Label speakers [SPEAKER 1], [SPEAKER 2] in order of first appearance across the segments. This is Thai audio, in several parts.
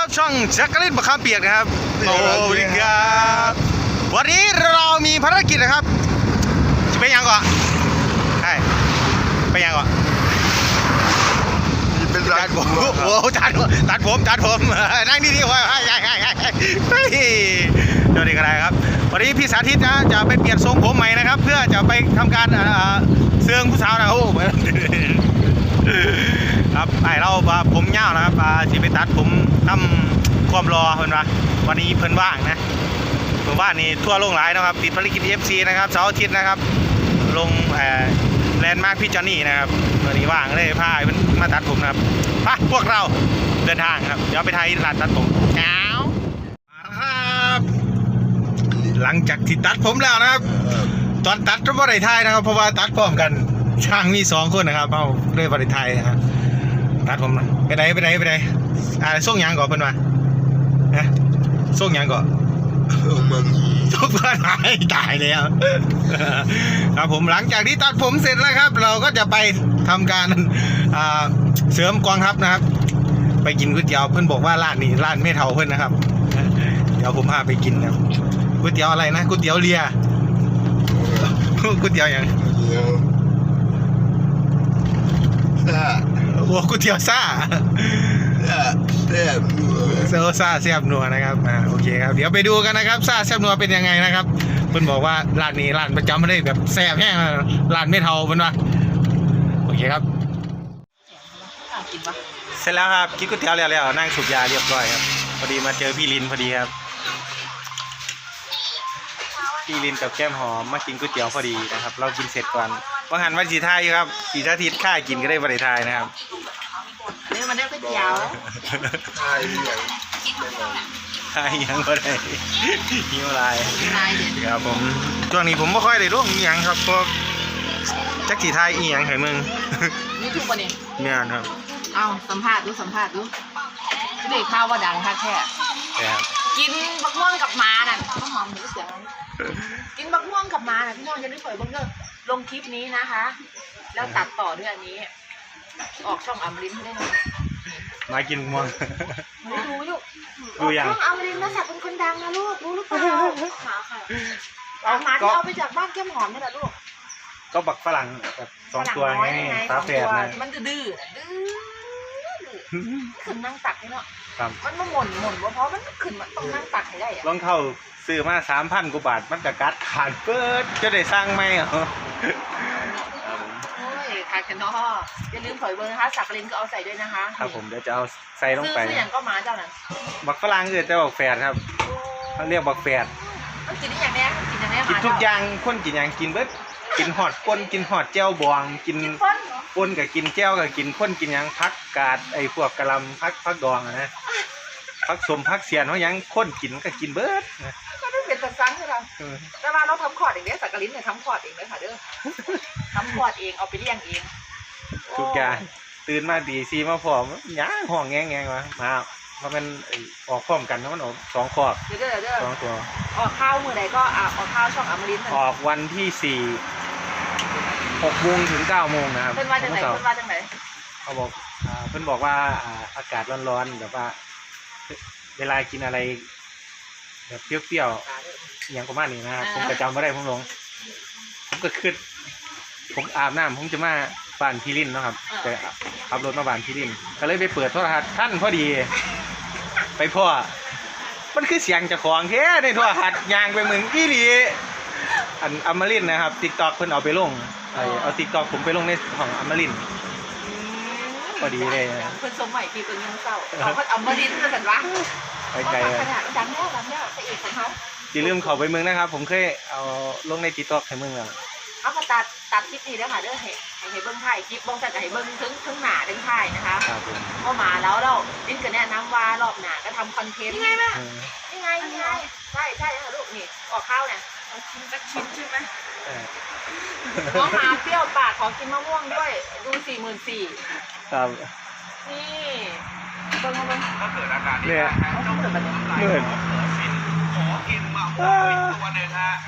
[SPEAKER 1] ช่องแจ็คกะลินมะขามเปียกนะครับโอ้ยครับวันนี้เรามีภารกิจนะครับจะไปยังก่อนใช่ไปยังก่อน
[SPEAKER 2] เป็นร้านผม
[SPEAKER 1] โอ้ตัดผมนั่งดีๆไว้ใช่เดี๋ยวนี้ก็ได้ครับวันนี้พี่สาธิตนะจะไปเปลี่ยนทรงผมใหม่นะครับเพื่อจะไปทำการเสื่องผู้สาวนะโอ้ครับไอเราผมยาวนะครับจะไปตัดผมทำความรอเพื่อนวะวันนี้เพื่อนว่างนะเพื่อนว่างนี่ทั่วโลกหลายนะครับติดภารกิจ FC นะครับเสาร์อาทิตย์นะครับลงแลนด์มาร์คพี่จอนนี่นะครับวันนี้ว่างเลยพาเพื่อนมาตัดผมนะครับไปพวกเราเดินทางครับเดี๋ยวไปไทยร้านตัดผมเช้าครับหลังจากที่ตัดผมแล้วนะครับตอนตัดก็ไม่ได้ถ่ายนะครับเพราะว่าตัดพร้อมกันช่างมี2 คนนะครับเอาเลยบริไทยนะครับตัดผมนะไปไหนส่งยังก่อนเพื่อนมานะส่งยังก่อนส่งเพื่อนตายแล้วครับผมหลังจากที่ตัดผมเสร็จแล้วครับ เราก็จะไปทำการเสริมกองทัพนะครับไปกินก๋วยเตี๋ยวเพื่อนบอกว่าร้านนี้ร้านไม่เท่าเพื่อนนะครับเดี๋ยวผมพาไปกินครับก๋วยเตี๋ยวอะไรนะก๋วยเตี๋ยวเรียก๋วยเตี๋ยวอย่างโอ้ก๋วยเตี๋ยวซ่าแซ่บนัวนะครับโอเคครับเดี๋ยวไปดูกันนะครับซ่าแซ่บนัวเป็นยังไงนะครับเพิ่นบอกว่าร้านนี้ร้านประจำไม่ได้แบบแซ่บแห้งร้านไม่เท่าเพิ่นว่าโอเคครับเสร็จแล้วครับกินก๋วยเตี๋ยวแล้วนั่งสูบยาเรียบร้อยครับพอดีมาเจอพี่ลินพอดีครับพี่ลินกับแก้มหอมมากินก๋วยเตี๋ยวพอดีนะครับเรากินเสร็จก่อนว่าหันวันสีทายครับสีสาธิตค่ากินก็ได้บริทายนะครับ
[SPEAKER 3] เนี่ยมันได้ก๋วยเตี๋ยว
[SPEAKER 2] ทาย
[SPEAKER 1] ยังก็ได้หิวอะไรครับผมช่วงนี้ผมไม่ค่อยได้ร่วมยังครับเพราะจักสีทายอีหยังไห้มึง
[SPEAKER 3] นี่ทุกคนเอง
[SPEAKER 1] เนี่ยครับ
[SPEAKER 3] เอาสัมภาษณ์ดูเด็กข้าวว่าดังค่ะแค่กินบักม่วงกับม้าน่ะข้าวหอมหรือเสียงกินบักม่วงกับม้าน่ะพี่น้องจะได้เผยบังเกอร์ลงคลิปนี้นะคะแล้วตัดต่อด้วยอันนี้ออกช่องอมรินทร์ได้ไหม
[SPEAKER 1] มากินม่วง
[SPEAKER 3] รู้อยู่ช่องอมรินทร์นะสัตว์เป็นคนดังนะลูกรู้หรือเปล่าขาค่ะเอาหมาที่เอาไปจากบ้านแก้มหอมนี่แหละลูก
[SPEAKER 1] ก็บักฝรั่งแบบ2 ตัวไงตาแฝดนะ
[SPEAKER 3] มันดื้อขึ้นนั่งตักนี่เนาะมันมาหม่นเพราะมันขึ้นมันต้องนั่งตักให้ได้
[SPEAKER 1] รองเท้าซื้อมา 3,000 กว่าบาทมันจะกัดขาดเปิดจะได้สร้างไหม
[SPEAKER 3] ทานกันเนาะอย่าลืมเผยเบอร์นะคะสักลินก็เอาใส่ด้วยนะคะ
[SPEAKER 1] ครับผมเดี๋ยวจะเอาใส่ลงไป
[SPEAKER 3] ซื้ออย่างก็มาเจ้านั้น
[SPEAKER 1] บักฝรั่งแต่บักแฝดครับเขาเรียกบักแฝด
[SPEAKER 3] กินได้อย่างนี้
[SPEAKER 1] กินทุกอย่างคนกินอย่างกินเบิดกินหอดก้นกินหอดแจ้วบองกินก้นกับกินแจ้วกับกินข้นกินยังพักกาดไอ้พวกกะลำพักดองนะพักสมพักเสียนว่ายังข้นกินก็กินเบิด
[SPEAKER 3] ก็ได้เป็นตัดซังใช่ไหมแต่ว่าเราทำขอดเองเนี่ยสักลินเนี่ยทำขอดเองเลยค่ะเด้อทำขอดเองเอาไปเลี้ยงเอง
[SPEAKER 1] ทุกอย่างตื่นมาดีซีมาพร้อมย่างห้องแงมาเพราะมันออกพร้อมกันนะมันออก2 ขอบ2 ตัว
[SPEAKER 3] ออกข้าวมือใดก็ออกข้าวช่องอมรินทร์
[SPEAKER 1] ออกวันที่4 6 โมงถึง 9 โมงนะครับ
[SPEAKER 3] เพิ่นว่าจังไหน
[SPEAKER 1] เขาบอกเพิ่นบอกว่าอากาศร้อนๆแบบว่าเวลากินอะไรแบบเปรี้ยวๆอย่างประมาณนี้นะครับผมก็จำไม่ได้ผมก็ขึ้นผมอาบน้ำผมจะมาบ้านพี่ลินนะครับแต่ขับรถมาบ้านพี่ลินก็เลยไปเปิดโทรทัศน์ท่านพอดีไปพ่อมันคือเสียงเจ้าของแท้ในโทรทัศน์ยางไปเหมือนพี่ลีอันอมรินนะครับ TikTok เพิ่นเอาไปลงเอา TikTok ผมไปลงในของอมรินพอดีเลย
[SPEAKER 3] เพิ่นสมัยพี่เพิ่นยังเศร้าเขาก็อมรินจะสั่นวะ
[SPEAKER 1] ไปไกล
[SPEAKER 3] ดังแล้วพระเอกของเขา
[SPEAKER 1] อย่าลืมเข้าไปเมืองนะครับผมเคยเอาลงใน TikTok ให้เมืองแล้ว
[SPEAKER 3] เอามาตัดคลิปนี้แล้วค่ะเด้อให้เบิ้งถ่ายคลิปบ้องแต่ให้เบิ้งถึงหนาถึงถ่ายนะคะก็มาแล้วเราลิ้นกันแนะนำว่ารอบหนาก็ทำคอนเทนต์นี่ไงแม่นี่ไงใช่ค่ะลูกนี่ออกข้าวเนี่ยชิ้นสักชิ้นใช่ไหมน้องหมาเปรี้ยวปากขอกินมะม่วงด้วยดู44,000
[SPEAKER 1] ครับ
[SPEAKER 3] นี่เบิ้ง
[SPEAKER 2] ก็เกิดอาการนี้ต้องเกิดแบบนี้ขอกินมะม่วงตัวหนึ่งฮะ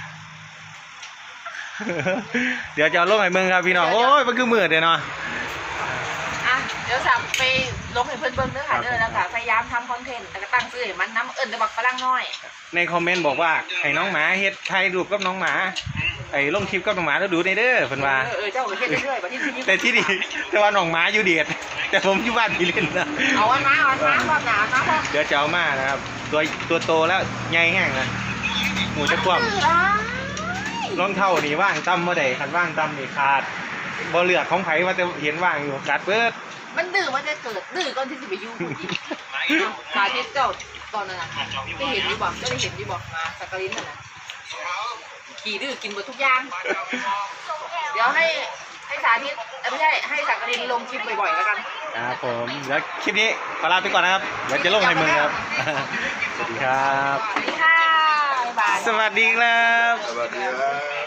[SPEAKER 1] เดี๋ยวจะลงให้เมืองครับพี่น้องโอ้ยมันคือมืดเลยเนาะ
[SPEAKER 3] เดี๋ยวสั่งไปลงให้เพื่อนเบิ้งเด้อค่ะเด้อแล้วก็พยายามทำคอนเทนต์แต่ก็ตั้งชื่อให้มันน้ำเอิญจะบอกฝรั่งน้อย
[SPEAKER 1] ในคอมเมนต์บอกว่าให้น้องหมาเฮ็ดถ่ายรูปกับน้องหมาไอ้ลงคลิปกับน้องหมาแล้วดูในเด้อเพิ่นว่า
[SPEAKER 3] เจ้าก็เฮ็ดเรื่อยๆบัดนี้ทีนี้
[SPEAKER 1] แต่ที่นี่แต่ว่าน้องหมาอยู่เดชแต่ผมอยู่บ้านพี่เล่นนะ
[SPEAKER 3] เอาวันมารอบหนามาพ่อ
[SPEAKER 1] เดี๋ยวจะเอามานะครับตัวโตแล้วใหญ่แห้งนะหมูจะคว่ำรองเท้านี่ว่างตั้มเมื่อใดคันว่างตั้มนี่ขาดบ่เหลือกของไผว่าจะเห็นว่างอยู่กัดเบิด
[SPEAKER 3] มันดื้อมันจะเกิดดื้อก่อนที่จะไปยุ่งสาธิตเจ้าตอนนั้นน่ะได้เห็นดีบอกได้เห็นดีบอกมาสักกะลินน่ะนะขี่ดื้อกินหมดทุกอย่างเดี๋ยวให้สาธิตไม่ใช่ให้สักกะลินลงคลิปบ่อยๆแล้วกัน
[SPEAKER 1] ครับผมเดี๋ยวคลิปนี้ขอลาไปก่อนนะครับเดี๋ยวจะลงในมือครับ สวัสดีครับ
[SPEAKER 3] สวัสดีค่ะบ๊ายบาย
[SPEAKER 1] สวัสดีครับ
[SPEAKER 2] สวัสดีครับ